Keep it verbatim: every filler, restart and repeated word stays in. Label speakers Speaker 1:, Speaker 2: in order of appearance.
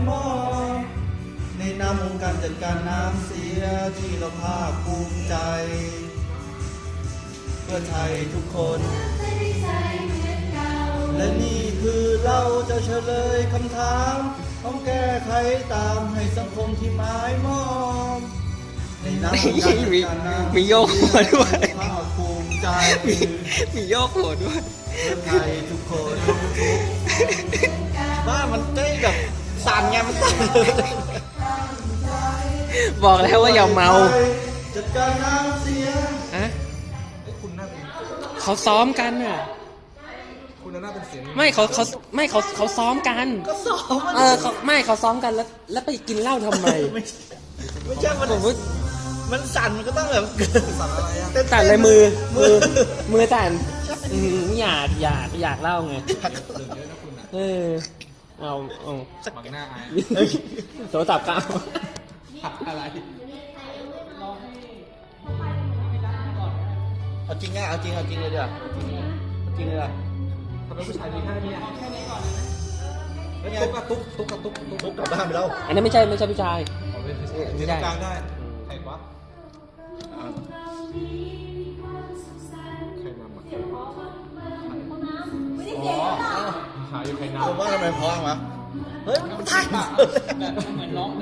Speaker 1: มองในนามองค์การจัดการน้ำเสียที่เราภาคภูมิใจเพื่อไทยทุกคนและนี่คือเราจะเฉลยคำถามต้องแก้ไขตามให้สังคมที่หมายมองในนามองค์การจัดการน้ำ
Speaker 2: มีโยกหัวด้วย
Speaker 1: ภาคภูมิใจ
Speaker 2: มีมีโยกหัวด้วย
Speaker 1: เพื่อไทยทุกคนบ้ามันเต้แบบสั่นไงมันสั่น
Speaker 2: บอกแล้วว่าอย่าเมา
Speaker 1: จัดการน้ำเสีย
Speaker 2: อะ
Speaker 3: เอ้ยคุณน่าเป็น
Speaker 2: เขาซ้อมกันน่ะ
Speaker 3: คุณน่าเป็นเสียง
Speaker 2: ไม่เขาเขาไม่เขาเขาซ้อมกัน
Speaker 1: ก็สอบ
Speaker 2: เออเขาไม่เขาซ้อมกันแล้ว แล้วไปกินเหล้าทำไม
Speaker 1: ไม่ใช่ไม่ใช่มัน
Speaker 2: ผมว่า
Speaker 1: มันสั่นมันก็ต้องแบบ
Speaker 3: สั่นอะไรอ่ะ
Speaker 1: เต้น
Speaker 2: สั่นเลยมือ มือ มือสั่นอืมอยากอยากอยากเล่าไง
Speaker 3: เดือดเยอะนะคุณอ่ะ
Speaker 2: เออ เอาเอา
Speaker 3: บังหน้าอาย
Speaker 2: โทรศัพท์ก็เอา
Speaker 3: ผักอะไร
Speaker 1: เอาจริงไงเอาจริงเอาจริงเลยเดี๋ยวเอาจริงเลยเดี๋ยว
Speaker 3: ทำไมผู้ชายมีแค่นี้อ่ะแค่นี้ก่อนนะแล้วตุ๊กอะตุ๊กตุ๊กอะตุ๊กตุ๊ก
Speaker 1: ทุกกลับบ้านไปแล้ว
Speaker 2: อันนั้นไม่ใช่ไม่ใช่ผู้ชาย
Speaker 3: เอาไปที่ตรงกลางได้ใครวะใครนำอ่ะอ๋อหาอยู่ใครนำ
Speaker 1: ผมว่าทำไมเพราะวะเฮ้ยมันถ่าย
Speaker 3: เหมือนร้อง